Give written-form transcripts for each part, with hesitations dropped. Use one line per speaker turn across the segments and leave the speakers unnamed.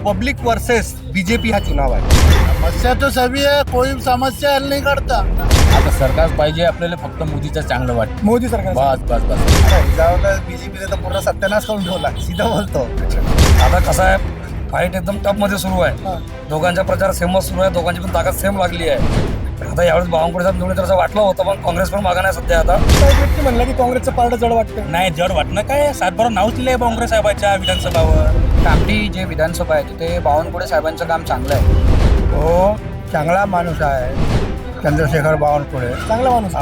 Public versus BJP हा चुनाव आहे.
समस्या तो सभी है, कोई समस्या हल नहीं करता.
आता सरकार पाहिजे आपल्याला, फक्त मोदीचं चांगलं वाटतं.
मोदी सरकार.
बस बस बस.
जाऊन बीजेपीने तर पूर्ण सत्यानाश करून ठेवला, सीधा बोलतो.
आता कसं आहे, फाईट एकदम टफ मध्ये सुरू आहे. दोघांचा प्रचार सेमच सुरू आहे, दोघांची पण ताकद सेम लागली आहे. आता यावेळेस बावनकुळे साहेब निवडून तर असं वाटलं होतं, पण काँग्रेस पण मागा नाही सध्या. आता
काही व्यक्ती म्हणला की काँग्रेसचं पारडं जड वाटतं.
नाही, जड वाटणं काय, सातबारा नाव दिलंय काँग्रेस साहेबाच्या विधानसभावर.
कामठी जे विधानसभा आहे तिथे बावनकुळे साहेबांचं काम चांगलं आहे.
हो, चांगला माणूस आहे चंद्रशेखर बावनकुळे.
चांगला माणूस.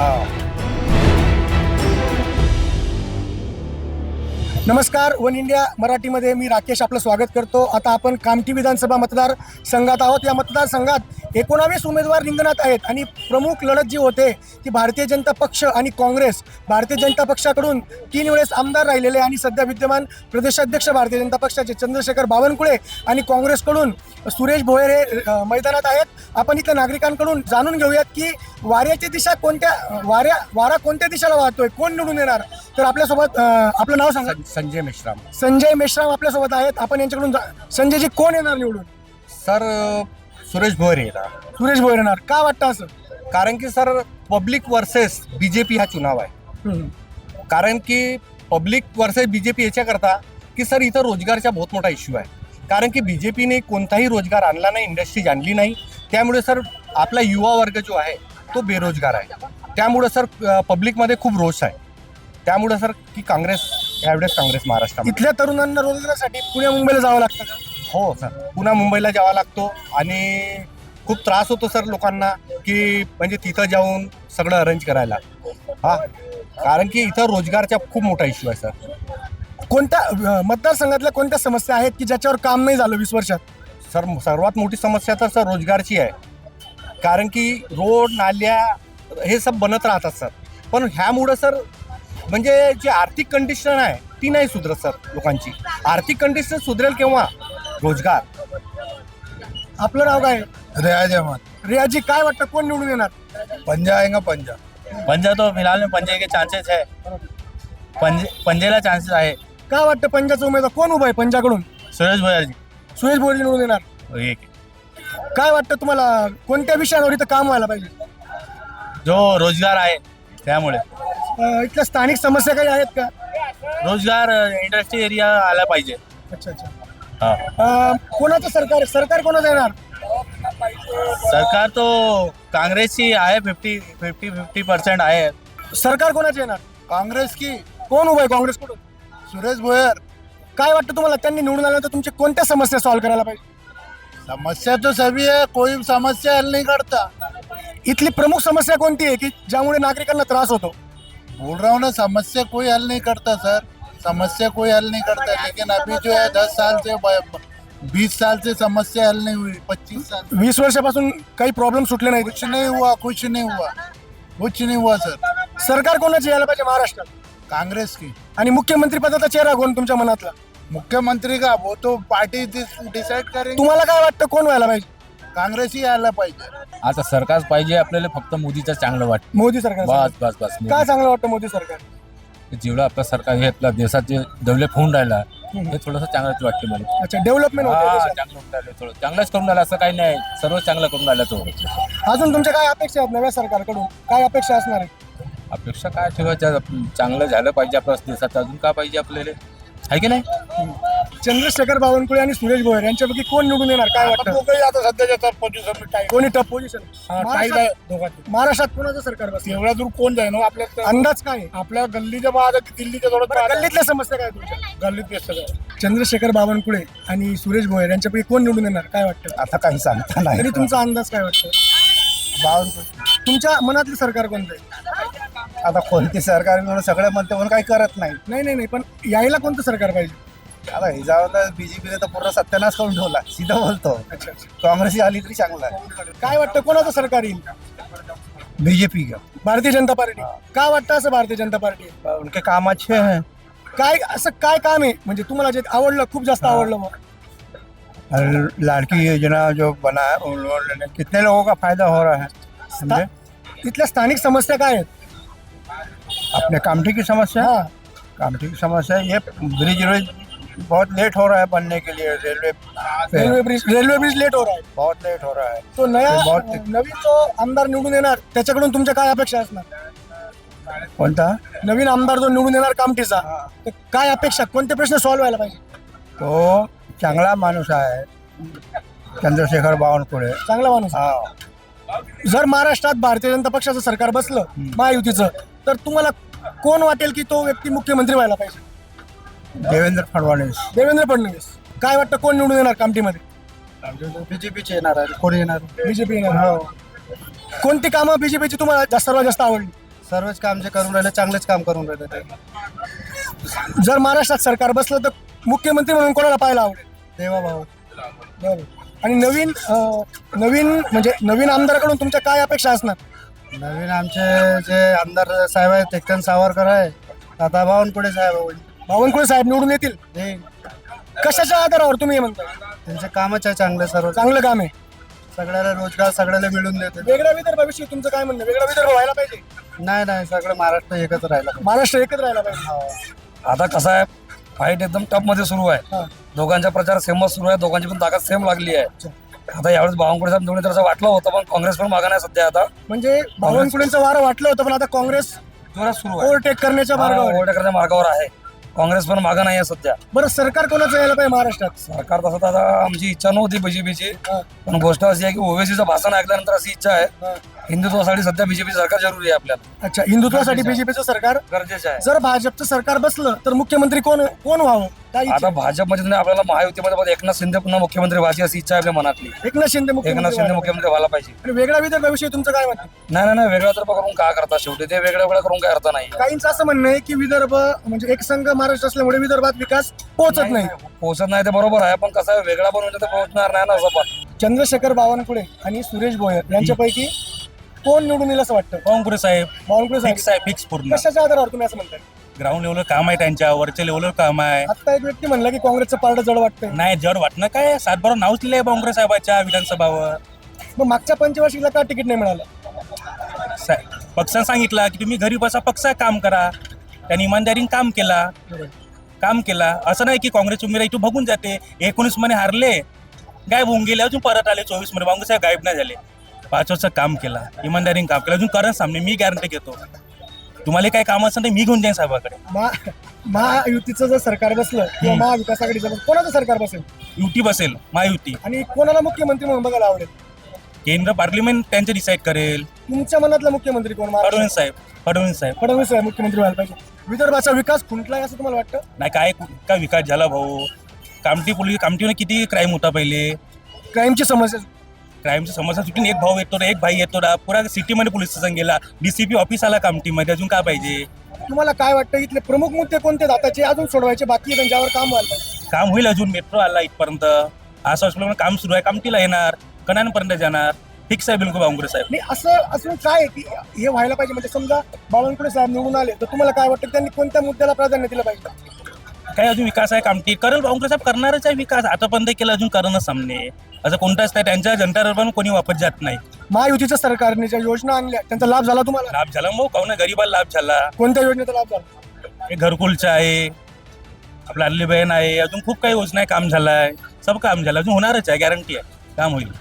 नमस्कार, वन इंडिया मराठीमध्ये मी राकेश आपलं स्वागत करतो. आता आपण कामठी विधानसभा मतदार संघात आहोत. या मतदारसंघात 19 उमेदवार रिंगणात आहेत आणि प्रमुख लढत जी होते ती भारतीय जनता पक्ष आणि काँग्रेस. भारतीय जनता पक्षाकडून 3 वेळेस आमदार राहिलेले आणि सध्या विद्यमान प्रदेशाध्यक्ष भारतीय जनता पक्षाचे चंद्रशेखर बावनकुळे आणि काँग्रेसकडून सुरेश भोयर हे मैदानात आहेत. आपण इथल्या नागरिकांकडून जाणून घेऊयात की वाऱ्याची दिशा वारा कोणत्या दिशेला वाहतोय, कोण निवडून येणार. तर आपल्यासोबत आपलं नाव सांगा.
संजय मेश्राम.
संजय मेश्राम आपल्यासोबत आहेत. आपण यांच्याकडून संजयजी कोण येणार निवडून?
सर, सुरेश भोयर येणार.
सुरेश भोयर येणार. का वाटतं असं?
कारण की सर, पब्लिक वर्सेस बीजेपी हा चुनाव आहे. कारण की पब्लिक वर्सेस बीजेपी याच्याकरता की सर इथं रोजगारचा बहुत मोठा इश्यू आहे. कारण की बीजेपीने कोणताही रोजगार आणला नाही, इंडस्ट्रीज आणली नाही. त्यामुळे सर आपला युवा वर्ग जो आहे तो बेरोजगार आहे. त्यामुळे सर पब्लिकमध्ये खूप रोष आहे. त्यामुळे सर की काँग्रेस, यावेळेस काँग्रेस महाराष्ट्रामध्ये.
इथल्या तरुणांना रोजगारासाठी पुण्या मुंबईला जावं लागतं का?
हो सर, पुन्हा मुंबईला जावा लागतो आणि खूप त्रास होतो सर लोकांना की म्हणजे तिथं जाऊन सगळं अरेंज करायला. कारण की इथं रोजगारचा खूप मोठा इश्यू आहे सर.
कोणत्या मतदारसंघातल्या कोणत्या समस्या आहेत की ज्याच्यावर काम नाही झालं 20 वर्षात?
सर सर्वात मोठी समस्या तर सर रोजगारची आहे. कारण की रोड, नाल्या हे सब बनत राहतात सर. पण ह्यामुळं सर म्हणजे जी आर्थिक कंडिशन आहे ती नाही सुधरत सर. लोकांची आर्थिक कंडिशन सुधरेल केव्हा? रोजगार.
आपलं नाव काय?
रियाज अहमद.
रियाजी, काय वाटतं कोण निवडून येणार?
पंजा आएगा पंजा.
पंजा तो फिलहाल में पंजे के चांसेस है. पंजेला चान्सेस आहे.
काय वाटतं पंजाचा उमेदवार कोण उभा आहे पंजाकडून?
सुरेश भोयरजी
सुरेश भोयर निवडून येणार.
एक.
काय वाटतं तुम्हाला कोणत्या विषयावर इथं काम व्हायला पाहिजे?
जो रोजगार आहे त्यामुळे.
इथल्या स्थानिक समस्या काही आहेत का?
रोजगार, इंडस्ट्री एरिया आला पाहिजे.
अच्छा.
हा.
कोणाचं सरकार कोणाचं येणार?
सरकार तो काँग्रेसची आहे. 50% आहे.
सरकार कोणाचं येणार?
कांग्रेस की
कोण उभा आहे काँग्रेसकडून?
सुरेश भोयर.
काय वाटतं तुम्हाला त्यांनी निवडून आल्यानंतर तुमची कोणत्या समस्या सॉल्व्ह करायला पाहिजे?
समस्या तो सभी है, कोई समस्या हल नहीं करता.
इथली प्रमुख समस्या कोणती आहे की ज्यामुळे नागरिकांना त्रास होतो?
बोल रहा हूँ ना, समस्या कोई हल नहीं करता सर. समस्या कोई हल नहीं करता. लेकिन अभी जो है 10 साल से 20 साल से समस्या हल नहीं हुई. 25 साल
20 वर्षापासून काही प्रॉब्लेम सुटले नाही.
कुछ नहीं हुआ सर.
सरकार कोणाची यायला पाहिजे महाराष्ट्रात?
कांग्रेस की.
आणि मुख्यमंत्री पदाचा चेहरा कोण तुमच्या मनातला?
मुख्यमंत्री का वो तो पार्टी डिसाइड करेंगे.
तुम्हाला काय वाटतं कोण व्हायला पाहिजे?
कांग्रेस ही यायला पाहिजे.
आता सरकार पाहिजे आपल्याला, फक्त मोदीचं चांगलं वाटतं.
मोदी सरकार.
बस बस बस.
काय चांगलं वाटतं मोदी सरकार?
जेवढं आपलं सरकार हे आपल्या देशात जे डेव्हलप होऊन राहिला हे थोडंसं चांगलंच वाटतं मला.
अच्छा, डेव्हलपमेंट होते देशात.
चांगलं होऊन राहिलं, थोडं चांगलंच करून राहिलं असं काही नाही. सर्व चांगलं करून राहिलं तो.
अजून तुमच्या काय अपेक्षा आहेत नव्या सरकारकडून? काय अपेक्षा असणार आहे?
अपेक्षा काय ठेवायच्या, चांगलं झालं पाहिजे आपल्या देशात. अजून काय पाहिजे आपल्याला, आहे की नाही?
चंद्रशेखर बावनकुळे आणि सुरेश भोयर यांच्यापैकी कोण निवडून येणार काय वाटतं?
आता सध्याच्या टफ पोझिशन
कोणी टफ पोझिशन? महाराष्ट्रात कोणाचं सरकार बस?
एवढ्या दूर कोण जाईल हो? आपल्या
अंदाज काय आहे?
आपल्या गल्लीच्या बाद दिल्लीच्या
बरं, गल्लीतल्या समस्या काय तुमच्या?
गल्लीत व्यस्त आहे.
चंद्रशेखर बावनकुळे आणि सुरेश भोयर यांच्यापैकी कोण निवडून येणार काय वाटतं?
आता काही सांगता नाही.
तरी तुमचा अंदाज काय वाटतं?
बावनकुळे.
तुमच्या मनातलं सरकार कोणतं आहे?
आता कोणती सरकार म्हणून सगळं म्हणते म्हणून काही करत नाही.
नाही, पण यायला कोणतं सरकार पाहिजे?
आता हे जाऊन बीजेपीने तर पूर्ण सत्यानाश करून ठेवला, सीधा बोलतो.
अच्छा.
काँग्रेस आली तरी चांगलं आहे.
काय वाटतं कोणाचं सरकार येईल?
बीजेपी का
भारतीय जनता पार्टी. का वाटतं असं भारतीय जनता पार्टी?
उनके काम अच्छे हैं.
काय असं काय काम आहे म्हणजे तुम्हाला जे आवडलं, खूप जास्त आवडलं मग?
और लाड़की योजना जो बना है उन लोगों ने कितने लोगों का फायदा हो रहा है समझे.
इथल्या स्थानिक समस्या काय आहेत?
अपने कामठी की समस्या.
हा.
कामठी की समस्या ये ब्रिज
बहुत लेट हो रहा है बनने के लिए रेलवे
रेल्वे ब्रिज लेट हो रहा है.
बहुत लेट हो रहा है.
तो
बहुत-
नवीन जो आमदार निवडून येणार त्याच्याकडून तुमच्या काय अपेक्षा असणार?
कोणता
नवीन आमदार जो निवडून येणार कामठीचा, तर काय अपेक्षा, कोणते प्रश्न सॉल्व्ह व्हायला पाहिजे?
तो चांगला माणूस आहे चंद्रशेखर बावनकुळे.
चांगला माणूस. जर महाराष्ट्रात भारतीय जनता पक्षाचं सरकार बसलं महायुतीचं, तर तुम्हाला कोण वाटेल की तो व्यक्ती मुख्यमंत्री व्हायला पाहिजे?
देवेंद्र फडणवीस.
देवेंद्र फडणवीस. काय वाटतं कोण निवडून येणार कामठीमध्ये?
बीजेपीचे येणार आहे. कोण येणार?
बीजेपी येणार. कोणती कामं बीजेपीची तुम्हाला सर्वात जास्त आवडली?
सर्वच काम जे करून राहिले चांगलेच काम करून राहिले ते.
जर महाराष्ट्रात सरकार बसलं तर मुख्यमंत्री म्हणून कोणाला पाहायला आवडेल?
देवा भाऊ.
बरं. आणि नवीन म्हणजे नवीन आमदाराकडून तुमच्या काय अपेक्षा असणार?
नवीन आमचे जे आमदार साहेब आहेत टेक्टन सावरकर आहे, आता बावनकुळे साहेब होईल.
बावनकुळे साहेब निवडून येतील.
हे
कशाच्या आधारावर तुम्ही हे म्हणता?
त्यांचे कामच आहे चांगले, सर्व
चांगलं काम आहे.
सगळ्याला रोजगार सगळ्याला मिळून देते.
वेगळ्या विदर्भाविषयी तुमचं काय म्हणणं? वेगळा विदर्भ व्हायला पाहिजे?
नाही सगळं महाराष्ट्र एकत्र राहिला.
महाराष्ट्र एकत्र राहायला पाहिजे.
आता कसं आहे, फाईट एकदम टफ मध्ये सुरू आहे.
हा.
दोघांचा प्रचार सेमच सुरू आहे, दोघांची पण ताकद सेम लागली आहे. आता यावेळेस बावनकुळे साहेब निवडून तर असं वाटलं होतं, पण काँग्रेस पण मागा नाही सध्या. आता
म्हणजे बावनकुळेंचं वारं वाटलं होतं, पण आता काँग्रेस
जोरात सुरू आहे.
ओव्हरटेक करण्याच्या मार्गावर आहे.
ओव्हरटेकरच्या मार्गावर आहे. काँग्रेस पण मागा नाही आहे सध्या.
बरं, सरकार कोणाचं यायला पाहिजे महाराष्ट्रात?
सरकार तसं तर आता आमची इच्छा नव्हती बीजेपीची,
हा.
पण गोष्ट अशी आहे की ओवेसीचं भाषण ऐकल्यानंतर अशी इच्छा आहे,
हा.
हिंदुत्वासाठी सध्या बीजेपी सरकार जरुरी आहे आपल्याला,
अच्छा, हिंदुत्वासाठी बीजेपीचं सरकार.
गरजेचं आहे.
जर भाजपचं सरकार बसलं तर मुख्यमंत्री कोण व्हावं? काय इच्छा?
आता भाजपमध्ये नाही, आपल्याला महायुतीमध्ये पण एकनाथ शिंदे पुन्हा मुख्यमंत्री व्हायची अशी इच्छा आहे आपल्या मनातली.
एकनाथ शिंदे
एकनाथ
मुख्यमंत्री
शिंदे
व्हायला
मुख्यमंत्री व्हायला पाहिजे.
पाहिजे. आणि वेगळ्या विदर्भाविषयी तुमचं काय म्हणणं?
नाही वेगळा तर करून काय करता, शेवटी ते वेगळं वेगळं करून काय अर्थ नाही.
काहींचं असं म्हणणं आहे की विदर्भ म्हणजे एक संघ महाराष्ट्र असल्यामुळे विदर्भात विकास पोहोचत नाही.
पोहोचत नाही ते बरोबर आहे, पण कसं आहे, वेगळा बनवून तर पोहोचणार नाही ना असं. पण
चंद्रशेखर बावनकुळे आणि सुरेश भोयर यांच्यापैकी कोण निवडून येईल असं वाटतं?
बावनकुळे साहेब
बावनकुळे साहेब.
फिक्स आहे, फिक्स पूर्ण.
कशाच्या आधारावर तुम्ही असं म्हणताय?
ग्राउंड लेवलवर काम आहे त्यांच्या, वरच्या लेवलवर काम आहे.
आता एक व्यक्ती म्हणला की काँग्रेसचं पारडं जड वाटतंय.
नाही जड वाटणं काय, 7-12 नावच लिहिले बावनकुळे साहेबाच्या विधानसभावर.
मग मागच्या पंचवार्षिकला का तिकीट नाही मिळालं?
पक्षानं सांगितलं की तुम्ही घरी बसा, पक्ष काम करा. त्यांनी इमानदारीने काम केला. असं नाही की काँग्रेस उमेदवार इथून बघून जाते. 19 मध्ये हारले, गायब होऊन गेले, अजून परत आले 24 मध्ये. बावनकुळे साहेब गायब नाही झाले. 5 वर्ष काम केला, इमानदारीने काम केलं. अजून करण सामने मी गॅरंटी घेतो, तुम्हाला काय काम असेल तर मी घेऊन जाईन साहेबाकडे.
महायुतीचं जर सरकार बसलं किंवा महाविकास आघाडीचं बसलं, कोणाचं सरकार बसेल
युती बसेल, महायुती.
आणि कोणाला मुख्यमंत्री म्हणून बघायला आवडेल?
केंद्र पार्लिमेंट त्यांचे डिसाईड करेल.
तुमच्या मनातला मुख्यमंत्री कोण?
फडणवीस साहेब.
फडणवीस साहेब मुख्यमंत्री व्हायला पाहिजे. विदर्भाचा विकास खुंटलाय असं तुम्हाला वाटतं?
नाही काय विकास झाला भाऊ. कामठीमध्ये किती क्राईम होता पहिले.
क्राईमची समस्या.
क्राईमची समस्या सुटून एक भाई येतो ना, पुरा सिटीमध्ये पोलीस स्टेशन गेला, डीसीपी ऑफिस आला कामठीमध्ये. अजून काय पाहिजे?
तुम्हाला काय वाटतं इथले प्रमुख मुद्दे कोणते आताचे अजून सोडवायचे बाकी आहे, त्यांच्यावर काम व्हायला पाहिजे?
काम होईल. अजून मेट्रो आला इथपर्यंत, असं असल्यामुळे काम सुरू आहे. कामठीला येणार, कणांपर्यंत जाणार. फिक्स आहे बिलकुल बावनकुळे साहेब.
नाही, असं असून काय आहे की हे व्हायला पाहिजे? म्हणजे समजा बावनकुळे साहेब निवडून आले तर तुम्हाला काय वाटतं त्यांनी कोणत्या मुद्द्याला प्राधान्य दिलं पाहिजे?
काय अजून विकास आहे कामठी करेल बावनकुळे साहेब, करणारच आहे विकास. आतापर्यंत केलं, अजून करणं सामने. असं कोणताच नाही, त्यांच्या जनतावर पण कोणी वापस जात नाही.
महायुतीच्या सरकारने ज्या योजना आणल्या त्यांचा लाभ झाला तुम्हाला?
लाभ झाला मग, काहून गरीबाला लाभ झाला.
कोणत्या योजनेचा लाभ झाला?
हे घरकुलचं आहे, आपलं आणली बहीण आहे, अजून खूप काही योजना आहे. काम झालं आहे, सब काम झालं, अजून होणारच आहे, गॅरंटी आहे काम होईल.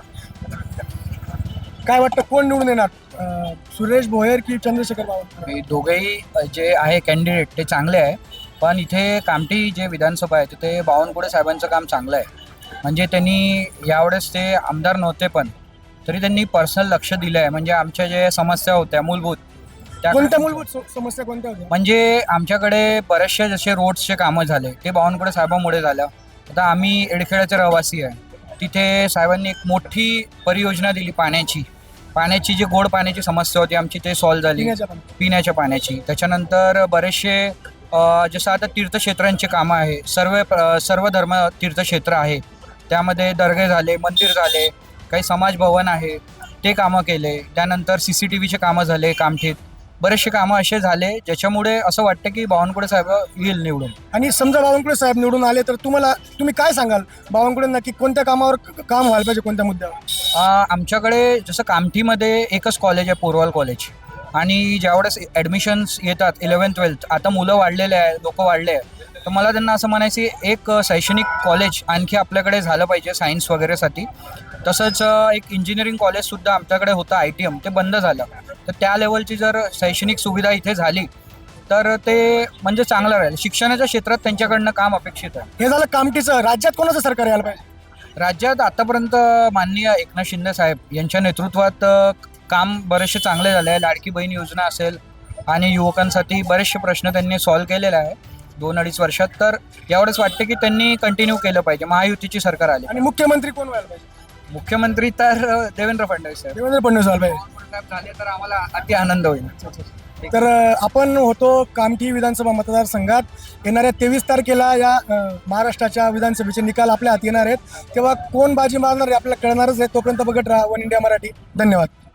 काय वाटतं कोण निवडून येणार? सुरेश भोयर की चंद्रशेखर बावनकुळे?
दोघेही जे आहे कॅन्डिडेट ते चांगले आहे, पण इथे कामठी जे विधानसभा आहे तिथे बावनकुळे साहेबांचं काम चांगलं आहे. म्हणजे त्यांनी यावेळेस ते आमदार नव्हते, पण तरी त्यांनी पर्सनल लक्ष दिलं आहे. म्हणजे आमच्या ज्या समस्या होत्या मूलभूत, त्या
कोणत्या मूलभूत समस्या कोणत्या होत्या?
म्हणजे आमच्याकडे बरेचसे जसे रोड्सचे कामं झाले ते बावनकुळे साहेबांमुळे झालं. आता आम्ही एडखेड्याचे रहिवासी आहे, तिथे साहेबांनी एक मोठी परियोजना दिली पाण्याची जी गोड पाण्याची समस्या होती आमची ते सॉल्व्ह झाली, पिण्याच्या पाण्याची. त्याच्यानंतर बरेचसे जसं आता तीर्थक्षेत्रांची कामं आहे, सर्व धर्म तीर्थक्षेत्र आहे, त्यामध्ये दर्गे झाले, मंदिर झाले, काही समाज भवन आहे ते कामं केले. त्यानंतर CCTVचे कामं झाले कामठीत. बरेचसे कामं असे झाले ज्याच्यामुळे असं वाटतं की बावनकुळे साहेब येईल निवडून.
आणि समजा बावनकुळे साहेब निवडून आले तर तुम्ही काय सांगाल बावनकुळेंना की कोणत्या कामावर काम व्हायला पाहिजे, कोणत्या मुद्द्यावर?
आमच्याकडे जसं कामठीमध्ये एकच कॉलेज आहे, पोरवाल कॉलेज. आणि ज्यावेळेस ॲडमिशन्स येतात 11th-12th, आता मुलं वाढलेले आहे, लोक वाढले आहे, तर मला त्यांना असं म्हणायचं आहे, एक शैक्षणिक कॉलेज आणखी आपल्याकडे झालं पाहिजे सायन्स वगैरेसाठी. तसंच एक इंजिनिअरिंग कॉलेजसुद्धा आमच्याकडे होतं ITM, ते बंद झालं. तर त्या लेवलची जर शैक्षणिक सुविधा इथे झाली तर ते म्हणजे चांगलं राहील. शिक्षणाच्या क्षेत्रात त्यांच्याकडनं काम अपेक्षित आहे.
हे झालं कामठीचं. राज्यात कोणाचं सरकार यायला पाहिजे?
राज्यात आतापर्यंत माननीय एकनाथ शिंदे साहेब यांच्या नेतृत्वात काम बरेचसे चांगले झाले आहे. लाडकी बहीण योजना असेल आणि युवकांसाठी बरेचसे प्रश्न त्यांनी सॉल्व्ह केलेले आहे 2-2.5 वर्षात. तर एवढंच वाटतं की त्यांनी कंटिन्यू केलं पाहिजे. महायुतीची सरकार आली.
आणि मुख्यमंत्री कोण व्हायला पाहिजे?
मुख्यमंत्री तर देवेंद्र फडणवीस साहेब
देवेंद्र फडणवीस व्हायला पाहिजे.
झाले तर आम्हाला अति आनंद होईल.
तर आपण होतो कामठी विधानसभा मतदारसंघात. येणाऱ्या 23 तारखेला या महाराष्ट्राच्या विधानसभेचे निकाल आपल्या हाती येणार आहेत. तेव्हा कोण बाजी मारणार आहे आपल्याला कळणारच आहे. तोपर्यंत बघत राहा वन इंडिया मराठी. धन्यवाद.